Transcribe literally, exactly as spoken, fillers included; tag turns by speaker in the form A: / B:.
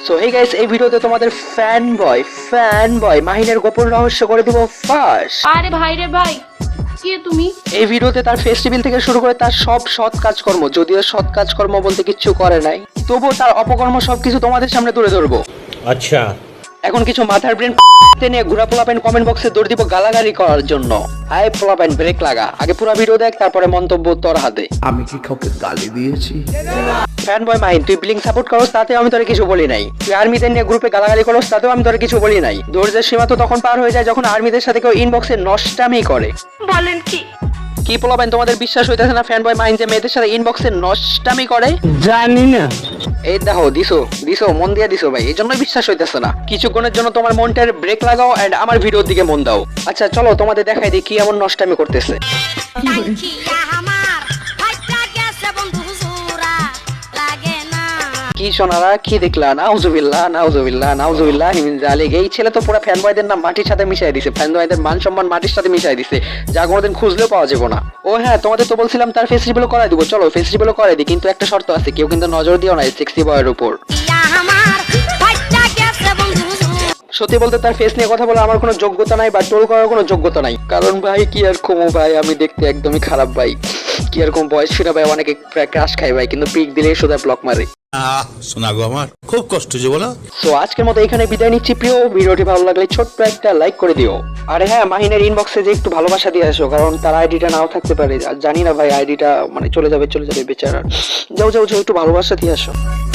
A: So hey guys, এই ভিডিওতে তোমাদের ফ্যান বয় ফ্যান বয় মাহিনের গোপন রহস্য করে দিব ফাঁস।
B: আরে ভাই রে ভাই, কে তুমি?
A: এই ভিডিওতে তার ফেস্টিভ্যাল থেকে শুরু করে তার সব সৎ কাজকর্ম, যদিও সৎ কাজকর্ম বলতে কিচ্ছু করে নাই, তবুও তার অপকর্ম সবকিছু তোমাদের সামনে তুলে ধরবো।
C: আচ্ছা,
A: এখন কিছু মাথার ব্রেন নিয়ে ঘুরা পোলাপেন কমেন্ট বক্সে দৌড় দিব গালাগালি করার জন্য। হাই পোলাপেন, ব্রেক লাগা, আগে পুরো ভিডিও দেখ, তারপরে মন্তব্য তোর হাতে।
D: আমি কি কাউকে গালি দিয়েছি?
A: ফ্যান বয় মাহিন, তুই ব্লিং সাপোর্ট করস, তাতেও আমি তোরে কিছু বলি নাই। তুই আর্মিদের নিয়ে গ্রুপে গালাগালি করস, তাতেও আমি তোরে কিছু বলি নাই। ধৈর্যের সীমা তো তখন পার হয়ে যায় যখন আর্মিদের সাথে কেউ ইনবক্সে নষ্টামি করে।
B: বলেন কি?
A: কি পোলাপেন, তোমাদের বিশ্বাস হইতেছে না ফ্যান বয় মাহিন যে মেয়েদের সাথে ইনবক্সে নষ্টামি করে?
D: জানি না।
A: এই দেখো, দিছো দিছো মন দিয়ে দিছো ভাই, এই জন্যই বিশ্বাস হইতেছে না। কিছুক্ষণের জন্য তোমার মনটার ব্রেক লাগাও এন্ড আমার ভিডিওর দিকে মন দাও। আচ্ছা চলো তোমাদের দেখাই দিই কি এমন নষ্টামি করতেছে। কি সোনারা, কি দেখলা? নাউজুবিল্লাহ নাউজুবিল্লাহ নাউজুবিল্লাহ হিমিন জালিক। এই ছেলে তো পুরো ফ্যান বয়দের নাম মাটির সাথে মিশাই দিছে, ফ্যান বয়দের মান সম্মান মাটির সাথে মিশাই দিছে, যা কোনোদিন খুঁজলেও পাওয়া যাবে না। ও হ্যাঁ, তোমাদের তো বলছিলাম তার ফেস রিভিল করাই দিব, চলো ফেস রিভিল করাই দিই, কিন্তু একটা শর্ত আছে, কেউ কিন্তু নজর দিও না সেক্সি বয়ের উপর। সত্যি বলতে তার ফেস নিয়ে কথা বলে আমার কোনো যোগ্যতা নাই বা টোল করার কোনো যোগ্যতা নাই, কারণ ভাই কি আর কমো ভাই, আমি দেখতে একদমই খারাপ ভাই, কি আর কম বয়স ফিরা ভাই, অনেকে ক্রাশ খাই ভাই, কিন্তু পিক দিলেই সোজা ব্লক মারে।
C: শোনা গো আমার খুব কষ্ট যে বলো।
A: সো আজকের মতো এখানে বিদায় নিচ্ছি প্রিয়, ভিডিওটি ভালো লাগলে ছোট্ট একটা লাইক করে দিও। আরে হ্যাঁ, মাহিনের ইনবক্সে যে একটু ভালোবাসা দিয়ে আসো, কারণ তার আইডিটা নাও থাকতে পারে, জানি না ভাই, আইডিটা মানে চলে যাবে চলে যাবে বেচারা। যাও যাও যাও, একটু ভালোবাসা দিয়ে আসো।